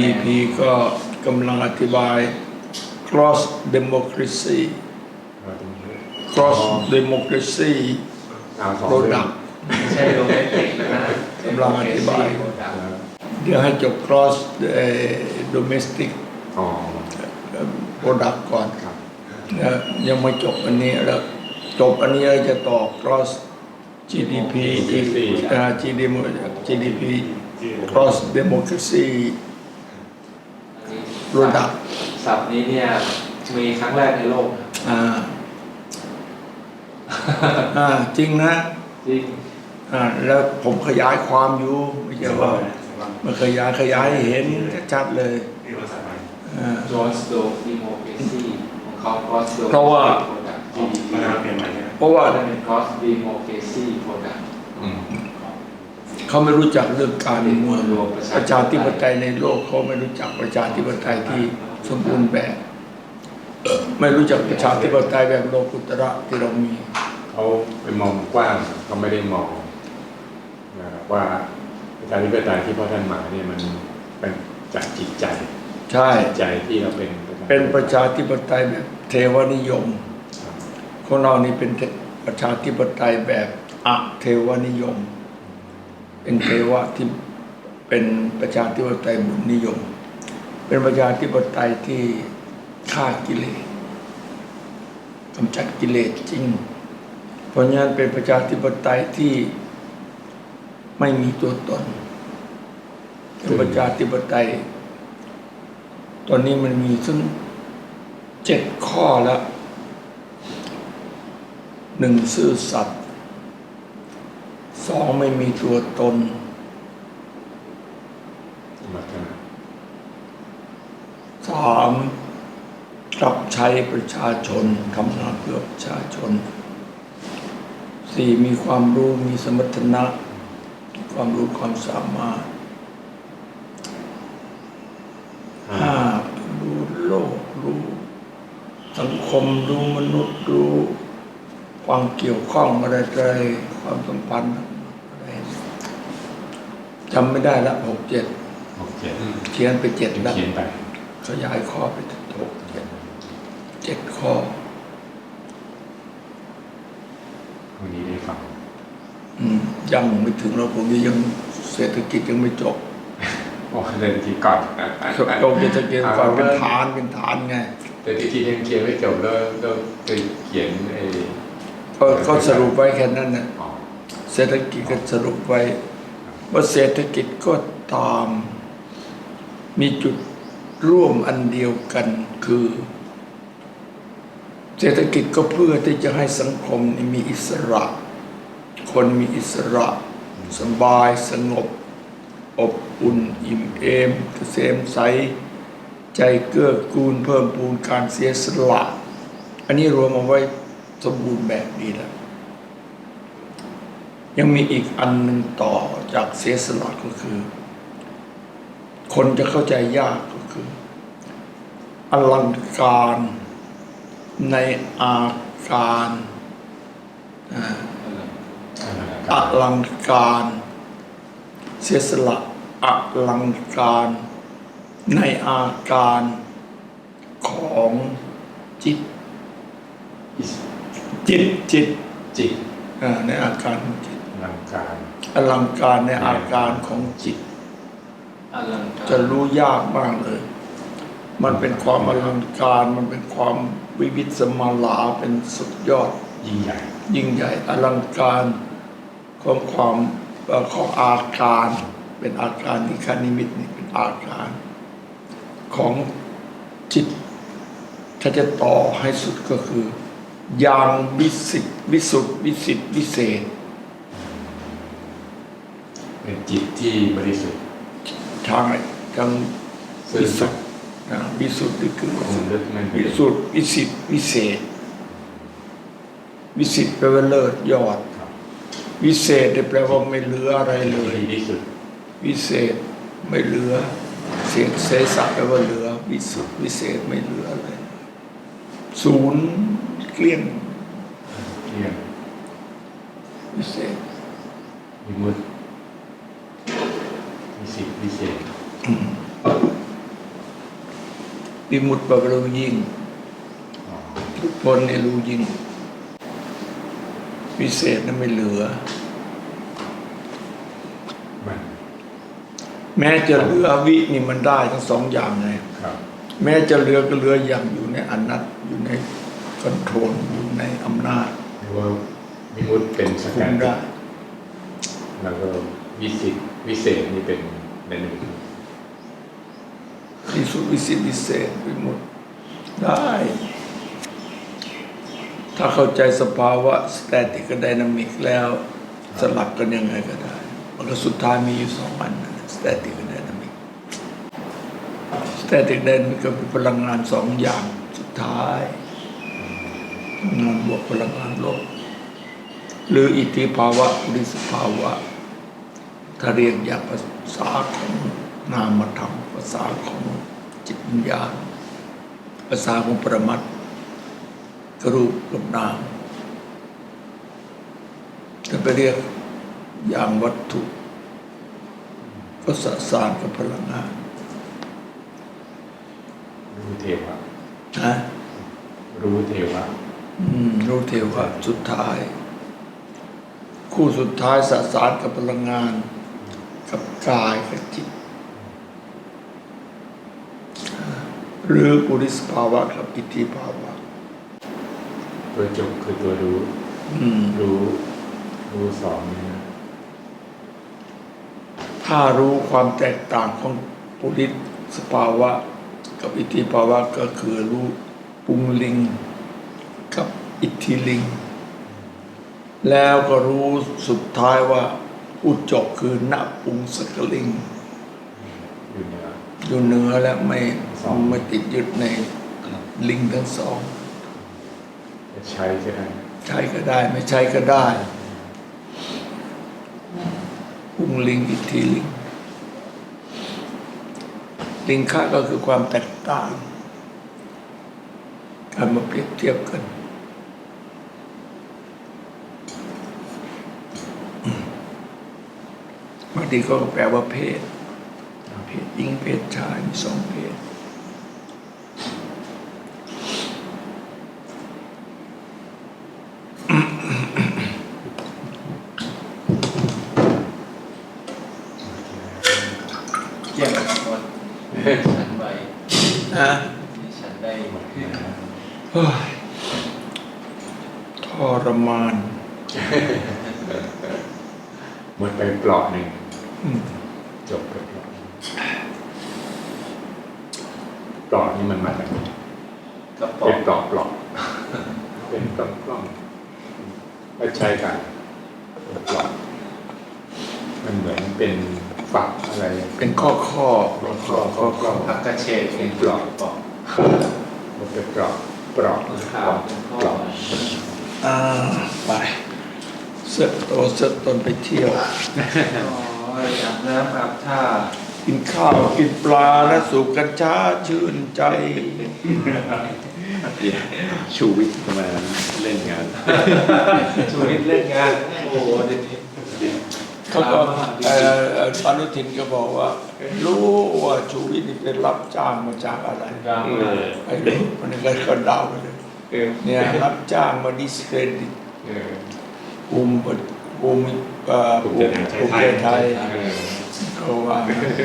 GDP ก็กำลังอธิบาย cross democracy cross democracy product ไม่ใช่โดเมสติกนะกำลังอธิบายเดี๋ยวให้จบ cross domestic product ก่อนนะยังไม่จบอันนี้แล้วจบอันนี้จะต่อ cross GDP GDP cross democracy product ศัพท์นี้เนี่ยมีครั้งแรกในโลกจริงนะจริงแล้วผมขยายความอยู่ไม่ใช่ว่ามันขยายให้เห็นชัดเลย cross democracy ของเขา cross เพราะว่าเป็น cross democracy product เขาไม่รู้จักเรื่องการเมืองประชาธิปไตยในโลกเขาไม่รู้จักประชาธิปไตยที่สมบูรณ์แบบไม่รู้จักประชาธิปไตยแบบโลกุตระที่เรามีเขาไปมองกว้างเขาไม่ได้มองว่าประชาธิปไตยที่พ่อท่านมาเนี่ยมันเป็นจากจิตใจใช่ใจที่เราเป็นประชาธิปไตยแบบเทวนิยมของเรานี่เป็นประชาธิปไตยแบบอะเทวนิยมเป็นเทวะที่เป็นประชาธิปไตยบุญนิยมเป็นประชาธิปไตยที่ฆ่ากิเลสกำจัดกิเลสจริงเพราะงั้นเป็นประชาธิปไตยที่ไม่มีตัวตนเป็นประชาธิปไตยตอนนี้มันมีถึง7 ข้อแล้ว1ซื่อสัตย์2ไม่มีตัวตน3รับใช้ประชาชนทำงานเพื่อประชาชน4มีความรู้มีสมรรถนะความรู้ความสามารถ5รู้โลกรู้สังคมรู้มนุษย์รู้ความเกี่ยวข้องอะไรความสัมพันธ์อะไรจำไม่ได้ละ6-7เขียนไป7แล้วขยายข้อไปถึง7ข้อวันนี้ได้ฟังยังไม่ถึงเราผมยังเศรษฐกิจยังไม่จบเศรษฐกิจก่อนจบเศรษฐกิจก่อนเป็นฐานไงเศรษฐกิจยังเขียนไม่จบแล้วเขียนก็สรุปไว้แค่นั้นนะเศรษฐกิจก็สรุปไว้ว่าเศรษฐกิจก็ตามมีจุดร่วมอันเดียวกันคือเศรษฐกิจก็เพื่อที่จะให้สังคมมีอิสระคนมีอิสระสบายสงบอบอุ่นอิ่มเอมเกษมใสใจเกื้อกูลเพิ่มพูนการเสียสละอันนี้รวมเอาไว้สมบูรณ์แบบนี้แล้วยังมีอีกอันหนึ่งต่อจากเสียสละก็คือคนจะเข้าใจยากก็คืออลังการในอาการอลังการเสียสละอลังการในอาการของจิตในอาการของจิตอลังการในอาการของจิตจะรู้ยากมากเลยมันเป็นความอลังการมันเป็นความวิวิสมาลาเป็นสุดยอดยิ่งใหญ่อลังการของความของอาการเป็นอาการที่คณิมิตนี่เป็นอาการของจิตถ้าจะต่อให้สุดก็คืออย่างวิสุทธิ์วิสิทธิ์วิเศษเป็นจิตที่บริสุทธิ์ทางวิสุทธิ์วิสุทธิ์คือวิสุทธิ์วิสิทธิ์วิเศษวิสิทธิ์แปลว่าเลิศยอดวิเศษแปลว่าไม่เหลืออะไรเลยวิเศษไม่เหลือเศษสัแปลว่าเหลือวิสุทธิ์วิเศษไม่เหลืออะไรศูนย์เกลี้ยงวิเศษวิมุตติวิสิทธิ์วิเศษวิมุตติแปลว่ารู้ยิ่งอ๋อหลุดพ้นเนี่ยรู้ยิ่งวิเศษนั้นไม่เหลือมันแม้จะเหลือวินี่มันได้ทั้งสองอย่างเลยครับแม้จะเหลือก็เหลืออย่างอยู่ในอนัตอยู่ในคอนโทรลอยู่ในอำนาจหรือว่าวิมุตติเป็นสคุกัมดได้แล้วก็วิเศษนี่เป็นในหนึ่งที่สุดวิสิทธิวิเศษวิมุตติได้ ถ้าเข้าใจสภาวะสแตติกกับไดนามิกแล้วสลับกันยังไงก็ได้ มันก็สุดท้ายมีอยู่สองอันสแตติกกับไดนามิกสแตติกไดนามิกก็เป็นพลังงานสองอย่างสุดท้ายพลังงานบวกพลังงานลบหรืออิทธิภาวะปุริสภาวะถ้าเรียกอย่างภาษาของนามธรรมภาษาของจิตวิญญาณภาษาของปรมัตถ์ก็รูปกับนามถ้าไปเรียกอย่างวัตถุก็สสารกับพลังงานรู้เทวะนะรู้เทวะรู้เทวะสุดท้าย คู่สุดท้ายสสารกับพลังงาน กับกายกับจิต หรือปุริสภาวะกับอิทธิภาวะตัวจบคือตัวรู้ รู้สองนี่นะถ้ารู้ความแตกต่างของปุริสภาวะกับอิทธิภาวะก็คือรู้ปุงลิงกับอิทธิลิง แล้วก็รู้สุดท้ายว่าอุจจบคือณปุงสกลิงอยู่เหนืออยู่เหนือและไม่สองไม่ติดยึดในลิงทั้งสองจะใช้ก็ได้ใช้ก็ได้ไม่ใช้ก็ได้ปุงลิงอิทธิลิง ลิงค่าก็คือความแตกต่าง การมาเปรียบเทียบกันบางทีก็แปลว่าเพศหญิงเพศชายมีสองเพศเยี่ยมหมดฉันไปนะฉันได้หมดเฮ้ยทรมานหมดไปเปลาะหนึ่งอืมจบไปเปลาะเปลาะนี่มันมาจากไหนกระป๋อเป็งนเปลาะเป็นกล้องไม่ใช่กันเป็นเปลาะมันเหมือนเป็นฝักอะไรเป็นข้อข้อผักกระเฉดเป็นกรอบปอกมันเป็นเปลาะขาวเป็นข้อเปลาะไปเสร็จโตเสร็จตนไปเที่ยวอ๋ออาบน้ำอาบท่ากินข้าวกินปลาและสูบกัญชาชื่นใจชูวิทย์มาเล่นงานชูวิทย์เล่นงาน โอ้โหเดี๋ยวนี้เขาก็อนุทินก็บอกว่า รู้ว่าชูวิทย์นี่เป็นรับจ้างมาจากอะไรดังมากไอ้รู้มันก็เดาไปเลยเนี่ยรับจ้างมาดิสเครดิตภูมิภูมิใจไทยเขาว่า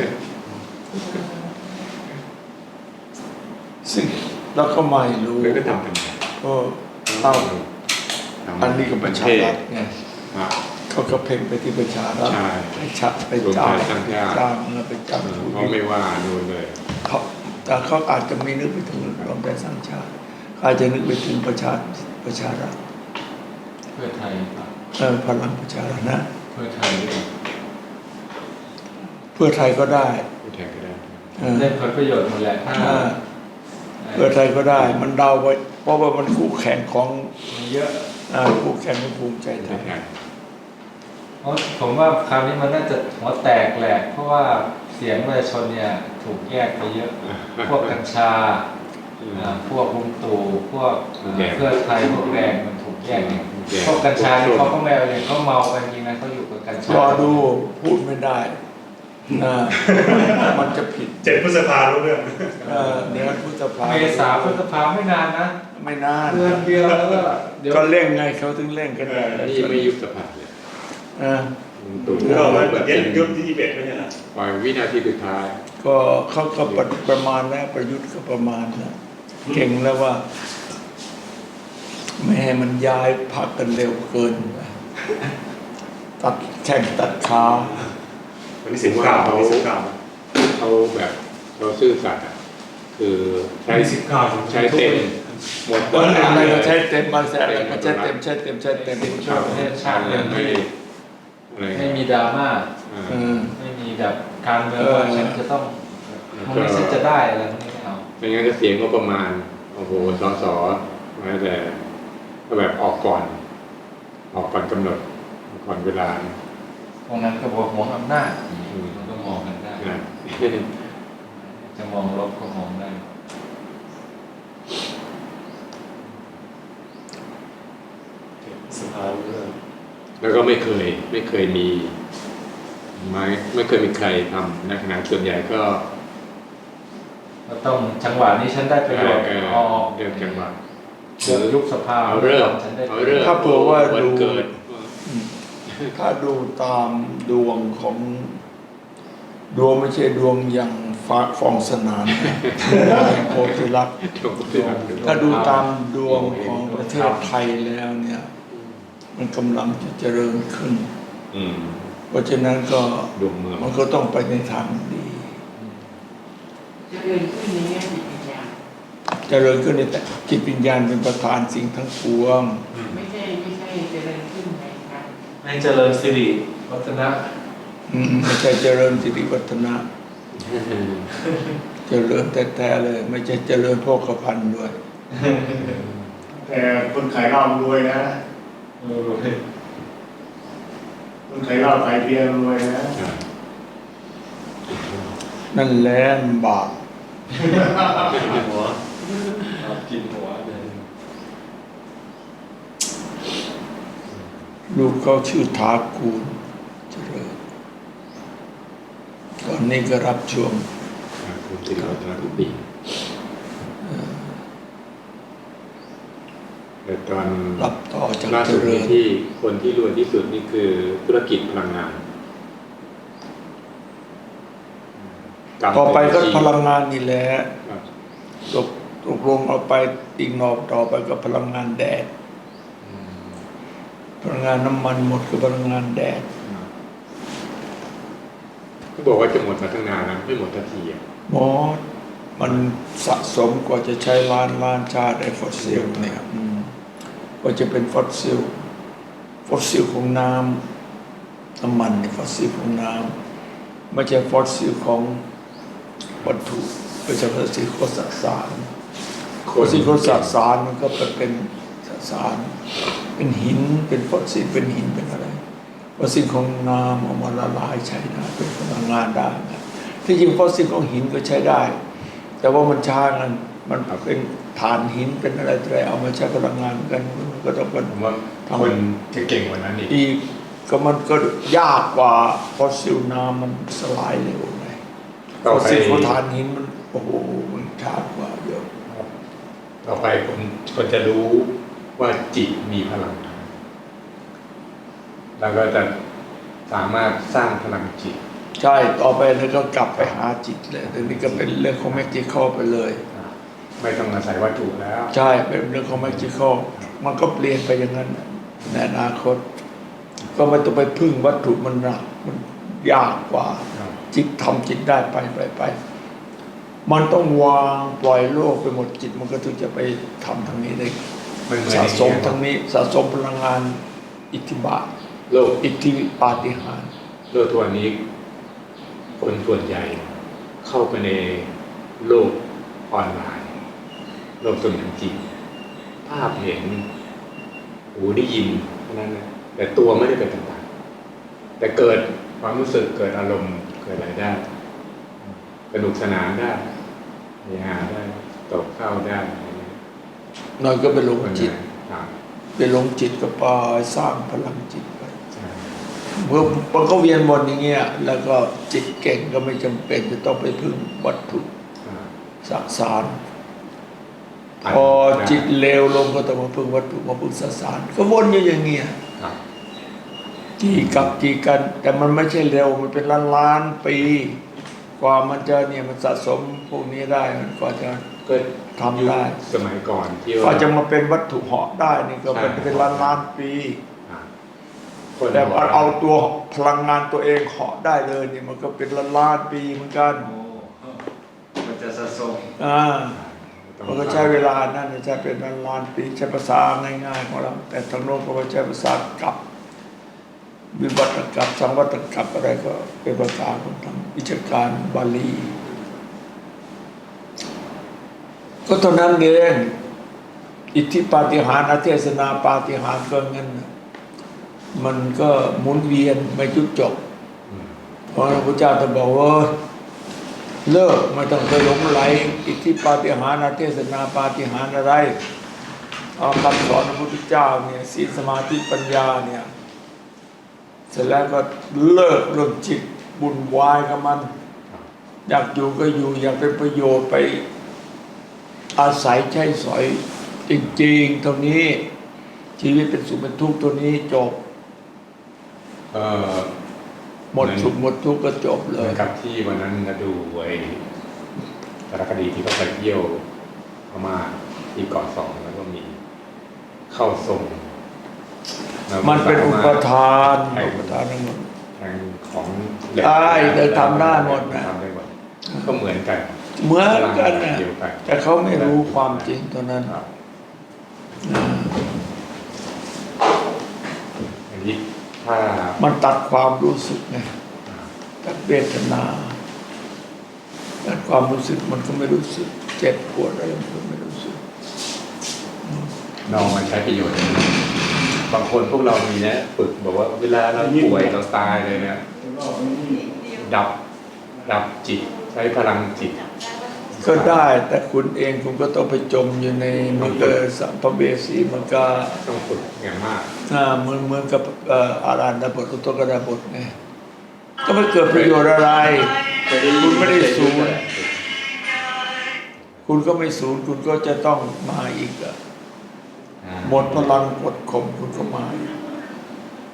ซึ่งเราก็ไม่รู้แล้วก็ทำเป็นก็เล่าอันนี้ก็ประชารัฐไงอ่ะเขาก็เพ่งไปที่ประชารัฐใช่ไปชักไปจ้างรวมไทยสร้างชาติจ้างเงินไปจ้างเขาไม่ว่าดูเลยเขาแต่เขาอาจจะไม่นึกไปถึงรวมไทยสร้างชาติเขาอาจจะนึกไปถึงประชารัฐเพื่อไทยป่ะพลังประชารัฐนะเพื่อไทยด้วยเพื่อไทยก็ได้ผู้แทนก็ได้เล่นผลประโยชน์หมดแหละถ้าเพื่อไทยก็ได้ มันเดาไว้เพราะว่ามันคู่แข่งของมันเยอะคู่แข่งของภูมิใจไทผู้ยแทนเพราะผมว่าคราวนี้มันน่าจะหัวแตกแหละ เพราะว่าเสียงประชาชนเนี่ยถูกแยกไปเยอะ พวกกัญชาพวกลุงตู่พวกเพื่อไทยพวกแดงมันถูกแยกเนี่ยพวกกัญชาเนี่ยเขาก็ไม่เอาเลยเขาเมากันจริงนะเขาอยู่กับกัญชารอดูพูดไม่ได้อ่ามันจะผิด 7 พฤษภารู้เรื่องเดือนพฤษภาเมษาพฤษภาไม่นานนะไม่นานเดือนเดียวแล้วก็เดี๋ยวก็เร่งไงเขาถึงเร่งกันได้นี่ไม่ยุบสภาเลย ตู่เราแบบยุบที่21ไม่ใช่เหรอปล่อยวินาทีสุดท้ายก็เขาก็ประมาณแล้วประยุทธ์ก็ประมาณแล้วเก่งแล้วว่า ไม่ให้มันย้ายพักกันเร็วเกินไปตัดแข่งตัดขาวันนี้19วันนี้19 เขาแบบเราซื่อสัตย์อ่ะคือใช้ 19 ใช้เต็มหมดอะไรก็ใช้เต็มบางแสนอะไรก็ใช้เต็มใช้เต็มใช้เต็มช่วยประเทศชาติเรื่องไม่ที่อะไรไม่มีดราม่าเออไม่มีแบบการเมืองว่าฉันจะต้องมันนี้ฉันจะได้อะไรพวกนี้ไม่เอาไม่งั้นก็เสียงก็ประมาณโอ้โหสสมาแต่ก็แบบออกก่อนกำหนดก่อนเวลาพวกนั้นก็บอกหวงอำนาจมันก็มองกันได้นะจะมองลบก็มองได้สภารู้เรื่องแล้วก็ไม่เคยมีไม่เคยมีใครทำในขณะส่วนใหญ่ก็ก็ต้องจังหวะนี้ฉันได้ประโยชน์ออกเรื่องจังหวะเกิดยุบสภาเอาเริ่มฉันได้เอาเริ่มถ้าเผื่อว่าวันดูเกิดถ้าดูตามดวงของดวงไม่ใช่ดวงอย่างฟ้าฟองสนานโพธิลักษณ์ถ้าดูตามดวงของประเทศไทยแล้วเนี่ย มันกำลังจะเจริญขึ้นอืมเพราะฉะนั้นก็ดวงเมืองมันก็ต้องไปในทางดีจะเดินขึ้นในแง่จิตวิญญาณเจริญขึ้นในแต่จิตวิญญาณเป็นประธานสิ่งทั้งปวงไม่ใช่จะเดินขึ้นในการให้เจริญสิริวัฒนะไม่ใช่เจริญสิริวัฒนะ เจริญแท้ๆเลย ไม่ใช่เจริญโภคภัณฑ์ด้วยแต่คนขายเหล้ารวยนะ คนขายเหล้าขายเบียร์รวยนะนั่นแหละบาปหัวกินหัวเลยลูกเขาชื่อทากูลเจริญตอนนี้ก็รับช่วงคุณสิริวัฒนกุฏิแต่ตอนรับต่อจากล่าเจสุดรินี้ญที่คนที่รวยที่สุดนี่คือธุรกิจพลังงานต่อไปก็พลังงานนี่แหละครับตกลงเอาไปอีกหนอกต่อไปก็พลังงานแดด พลังงานน้ำมันหมดคือพลังงานแดดก็บอกว่าจะหมดมาตั้งนานแล้วไม่หมดทันทีอ่ะหมดมันสะสมกว่าจะใช้ล้านชาติไอ้ฟอสซิลเนี่ยกว่าจะเป็นฟอสซิลของน้ำมันเนี่ยฟอสซิลของน้ำไม่ใช่ฟอสซิลของวัตถุไม่ใช่ฟอสซิลของสสารฟอสซิลของสสารมันก็เป็นสสาร เป็นหินเป็นฟอสซิลเป็นหินเป็นอะไรฟอสซิลของน้ำเอามาละลายใช้ได้เป็นพลังงานได้นะที่จริงฟอสซิลของหินก็ใช้ได้ แต่ว่ามันช้ากันมันเป็นถ่านหินเป็นอะไรเอามาใช้พลังงานกันมันก็ต้องเป็นผมว่าคนจะเก่งกว่านั้นอีกอีกก็มันก็ยากกว่าฟอสซิลน้ำมันสลายเร็วไงฟต่ออสไปซิลของถ่านหินมันโอ้โหมันช้ากว่าเยอะต่อไปคนจะรู้ว่าจิตมีพลัง แล้วก็จะสามารถสร้างพลังจิตใช่ต่อไปแล้วก็กลับไปหาจิตเลยแต่นี่ก็เป็นเรื่องของแมจิคอลไปเลยไม่ต้องอาศัยวัตถุแล้วใช่เป็นเรื่องของแมจิคอลมันก็เปลี่ยนไปอย่างนั้นในอนาคต ก็ไม่ต้องไปพึ่งวัตถุมันหนักมันยากกว่า จิตทำจิตได้ไปมันต้องวางปล่อยโลกไปหมดจิตมันก็ถึงจะไปทำทางนี้ได้มันเหมือนสะสมทางนี้สะสมพลังงานอิทธิบาทโลกอิทธิปาฏิหาริย์โลกทัวนี้ คนส่วนใหญ่เข้าไปในโลกออนไลน์ โลกเสมือนจริงภาพเห็นหูได้ยินเท่านั้นนะแต่ตัวไม่ได้เป็นต่างๆแต่เกิดความรู้สึกเกิดอารมณ์เกิดอะไรได้สนุกสนานได้เฮฮาได้ตกเข้าได้อะไรเงี้ยน้อยก็ไปหลงจิตครับไปหลงจิตก็ไปสร้างพลังจิตไปใช่เมื่อมันก็เวียนวนอย่างเงี้ยแล้วก็จิตเก่งก็ไม่จำเป็นจะต้องไปพึ่งวัตถุสสารพอจิตเลวลงก็ต้องมาพึ่งวัตถุมาพึ่งสสารก็วนอยู่อย่างเงี้ยจีกับจีกัน แต่มันไม่ใช่เร็วมันเป็นล้านๆปีกว่ามันจะเนี่ยมันสะสมพวกนี้ได้มันก็จะก็ทำได้สมัยก่อนที่ก็ว่าจะมาเป็นวัตถุเหาะได้นี่ก็เป็นล้านๆปีคนแต่เอาตัวพลังงานตัวเองเหาะได้เลยเนี่ยมันก็เป็นล้านๆปีเหมือนกันโอ้มันจะสะสมมันก็ใช้เวลานั่นใช้เป็นล้านๆปีใช้ภาษาง่ายๆของเราแต่ทางโน้นก็ใช้ภาษากับวิวัตกับสังวัตกับอะไรก็เป็นภาษาของทางวิชาการบาลีก็เท่านั้นเองอิทธิปาฏิหาริย์อเทศนาปาฏิหาริย์ก็งั้นมันก็หมุนเวียนไม่จุดจบเพราะพระพุทธเจ้าจะบอกว่าเลิกไม่ต้องไปหลงไหลอิทธิปาฏิหาริย์อเทศนาปาฏิหาริย์อะไรเอาคำสอนพระพุทธเจ้าเนี่ยศีลสมาธิปัญญาเนี่ยเสร็จแล้วก็เลิกเรื่องจิตบุญวายกับมันอยากอยู่ก็อยู่อยากเป็นประโยชน์ไปอาศัยใช้สอยจริงๆตรงนี้ชีวิตเป็นสุขเป็นทุกข์ตัวนี้จบหมดสุขหมดทุกข์ก็จบเลเหมืยอนกับที่วันนั้นเราดูไอ้สารคดีที่เขาไปเที่ยวพม่าที่เกาะสองแล้วก็มีเข้าทรงมันเป็นอุปทานอุปทานทั้งหมดทางของได้แต่ทำได้หมดนะทำได้หมดก็เหมือนกันเหมือนกันนะเดียวกันแต่เขาไม่รู้ความจริงเท่านั้นครับอันนี้ถ้ามันตัดความรู้สึกไงตัดเวทนาตัดความรู้สึกมันก็ไม่รู้สึกเจ็บปวดอะไรมันก็ไม่รู้สึกน้องมาใช้ประโยชน์บางคนพวกเรามีนะฝึกบอกว่าเวลาเราป่วยเราตายเลยเนี่ยดับจิตใช้พลังจิตก็ได้แต่คุณเองคุณก็ต้องไปจมอยู่ในมันเกิดสัมภเวสีมันก็ต้องฝึกอย่างมากเหมือนกับอารันดาบทอุตกดาบทไงก็ไม่เกิดประโยชน์อะไร คุณไม่ได้สูญคุณก็ไม่สูญคุณก็จะต้องมาอีกอะหมดพลังกดข่มคุณก็มาอีก